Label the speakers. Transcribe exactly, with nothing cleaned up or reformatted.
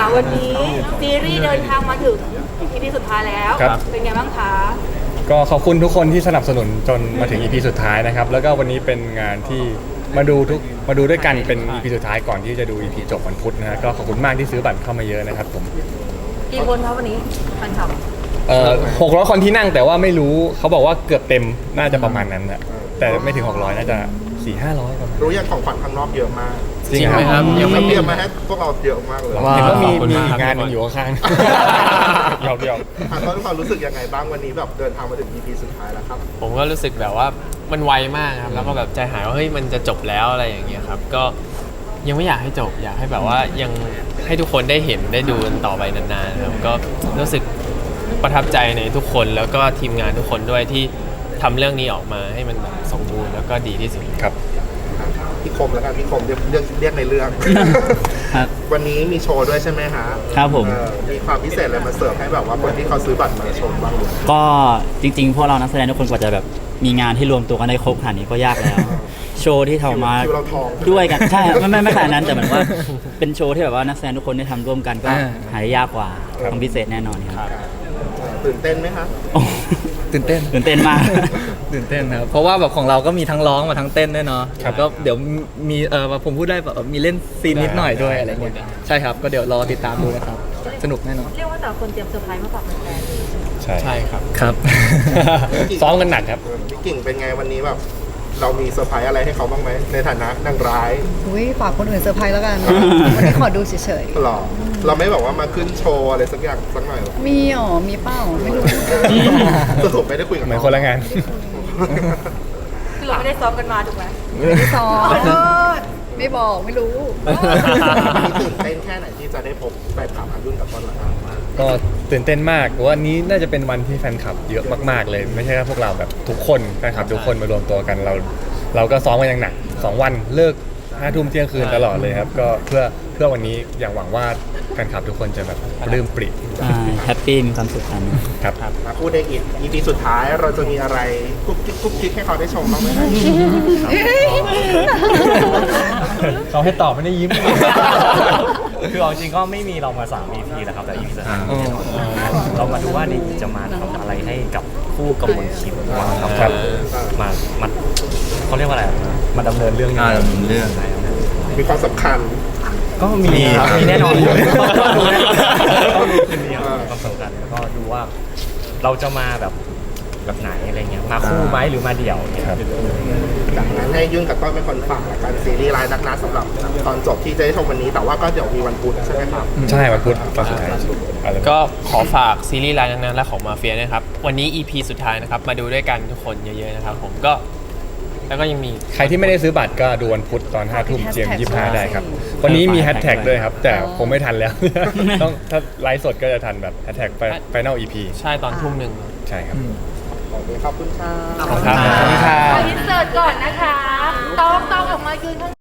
Speaker 1: วันนี้ซีรีส์เดินทางมาถึง อี พี สุดท้ายแล้วเป็นไงบ้างคะ
Speaker 2: ก็ขอบคุณทุกคนที่สนับสนุนจนมาถึง อี พี สุดท้ายนะครับแล้วก็วันนี้เป็นงานที่มาดูทุกมาดูด้วยกันเป็น อี พี สุดท้ายก่อนที่จะดู อี พี จบวันพุธนะฮะก็ขอบคุณมากที่ซื้อบัตรเข้ามาเยอะนะครับผม
Speaker 1: กี่คนครับวันนี้แฟนคลับ
Speaker 2: เอ่อหกร้อยคนที่นั่งแต่ว่าไม่รู้เขาบอกว่าเกือบเต็มน่าจะประมาณนั้นนะแต่ไม่ถึงหกร้อยน่าจะสี่ห้าร้อยประมาณ
Speaker 3: รู้ยังของขวัญข้างนอกเยอะมาก
Speaker 2: จริงไหมครับ
Speaker 3: ยังไม่เตรียมมาให้พวกเราเยอะมากเลย
Speaker 2: เห็นว่ามีมีอีกงานนึงอยู่ข้างๆเดี๋ยวเดี๋ยว
Speaker 3: ตอนนี้ความรู้สึกยังไงบ้างวันนี้แบบเดินทางมาถึง อี พี สุดท้ายแล้วครับ
Speaker 4: ผมก็รู้สึกแบบว่ามันไวมากครับแล้วก็แบบใจหายว่าเฮ้ยมันจะจบแล้วอะไรอย่างเงี้ยครับก็ยังไม่อยากให้จบอยากให้แบบว่ายังให้ทุกคนได้เห็นได้ดูกันต่อไปนานๆครับก็รู้สึกประทับใจในทุกคนแล้วก็ทีมงานทุกคนด้วยที่ทำเรื่องนี้ออกมาให้มันแบบสมบูรณ์แล้วก็ดีที่สุด
Speaker 2: ครับ
Speaker 3: พี่คมแล้วกันพี่คมเรียกเรียกเรียกในเรื่องวันนี้มีโชว์ด้วยใช่ไหมฮะ
Speaker 5: ครับผม
Speaker 3: มีความพิเศษอะไรมาเสิร์ฟให้แบบว่าคนที่เขาซื้อบัตรมาชมบ้าง
Speaker 5: ก็จริงๆพวกเรานักแสดงทุกคนกว่าจะแบบมีงานที่รวมตัวกันได้ครบขนาดนี้ก็ยากแล้วโชว์ที่ทำมาด้วยกันใช่ไม่ไม่ไม่ขนาดนั้นแต่เหมือนว่าเป็นโชว์ที่แบบว่านักแสดงทุกคนได้ทำร่วมกันก็หายากกว่าต้องพิเศษแน่นอนครับ
Speaker 3: ตื่นเต้นไหมครับ
Speaker 2: ตื่นเต้น
Speaker 5: ตื่นเต้นมาก
Speaker 6: ตื่นเต้นครับเพราะว่าแบบของเราก็มีทั้งร้องมาทั้งเต้นด้วยเนาะก็เดี๋ยวมีเออผมพูดได้แบบมีเล่นซีนนิดหน่อยด้วยอะไรเงี้ยใช่ครับก็เดี๋ยวรอติดตามดูนะครับสนุกแน่นอน
Speaker 1: เรียกว่าแต่คนเตรียมเซอร์ไพรส์มาฝากแฟน
Speaker 2: ใช่
Speaker 4: ใช่ครับ
Speaker 6: ครับ
Speaker 2: ซ้อมกันหนักครับ
Speaker 3: พี่กิ่งเป็นไงวันนี้แบบเรามีเซอร์ไพรส์อะไรให้เขาบ้างไหมในฐานะนางร้าย
Speaker 7: อุ้ยฝากคนอื่นเซอร์ไพรส์แล้วกันวันนี้ขอดูเฉย
Speaker 3: ๆหรอเราไม่บอกว่ามาขึ้นโชว์อะไรสักอย่างสักหน่อยหรอ
Speaker 7: มีอ๋อมีเป้าไม่รู้
Speaker 3: สรุปไม่ได้คุยกับ
Speaker 2: เหมือนคนละงาน
Speaker 1: คือเราไม่ได้ซ้อมกันมาถูกไหม
Speaker 7: ไม่ได้ซ้อมไม่บอกไม่รู้
Speaker 3: มีตื่นเต้นแค่ไหนที่จะได้พบแฟนคลับรุ่นกับต้นหลัง
Speaker 2: ก็ตื่นเต้นมากวันนี้น่าจะเป็นวันที่แฟนคลับเยอะมากๆเลยไม่ใช่แค่พวกเราแบบทุกคนแฟนคลับทุกคนมารวมตัวกันเราเราก็ซ้อมกันอย่างหนักสองวันเลิกห้าทุ่มเที่ยงคืนตลอดเลยครับก็เพื่อเพื่อวันนี้อย่างหวังว่าแฟนคลับทุกคนจะแบบปลื้มปริ่ม
Speaker 5: แฮปปี้มีความสุขกัน
Speaker 2: ครับ
Speaker 3: มาพูดในอีก อี พี สุดท้ายเราจะมีอะไรกุ๊กกิ๊กกุ๊กกิ๊กให้เขาได้ชมบ้างไหม
Speaker 6: เขาให้ตอบไม่ได้ยิ้มคือเอาจริงก็ไม่มีเรามาสาม อี พี แล้วครับแต่ อี พี สุดท้ายเรามาดูว่านี่จะมาทำอะไรให้กับคู่กำมลคิมบ้างครับมามาเขาเรียกว่าอะไรมาดำเนินเรื่อง
Speaker 5: ดำเนินเรื่อง
Speaker 3: มีความสำคัญ
Speaker 6: ก็มีครับมีแน่นอนอยู่ก็ดูก็ดูคืนนี้ความสำคัญแล้วก็ดูว่าเราจะมาแบบแบบไหนอะไรเงี้ยมาคู่ไหมหรือมาเดี่ยวเนี่ย
Speaker 3: จากนั้นให้ยุ่นกับต้นเป็นคนฝากละกันซีรีส์รายนักนัดสำหรับตอนจบที่จะได้ชมวันนี้แต่ว่าก็เดี๋ยวมีวันพุธใช่ไหมครับ
Speaker 2: ใช่วันพุธตอนสุดท้าย
Speaker 4: ก็ขอฝากซีรีส์รายนักนัดและของมาเฟียนะครับวันนี้ อี พี สุดท้ายนะครับมาดูด้วยกันทุกคนเยอะๆนะครับผมก็แล้วก็ยังมี
Speaker 2: ใครที่ไม่ได้ซื้อบัตรก็ดูวันพุธตอนห้าทุ่มเจียมยี่สิบห้าได้ครับวันนี้มีแฮชแท็กด้วยครับแต่ผมไม่ทันแล้วต้องถ้าไลฟ์สดก็จะทันแบบแฮชแท็กไฟนอล อี พี
Speaker 4: ใช่ตอนทุ่มหนึ่ง
Speaker 2: ใช่ครับ
Speaker 3: ขอบคุณค่ะ
Speaker 2: ขอบคุณครับ
Speaker 1: ขออินเสิร์ตก่อนนะคะต้องต้องออกมายืน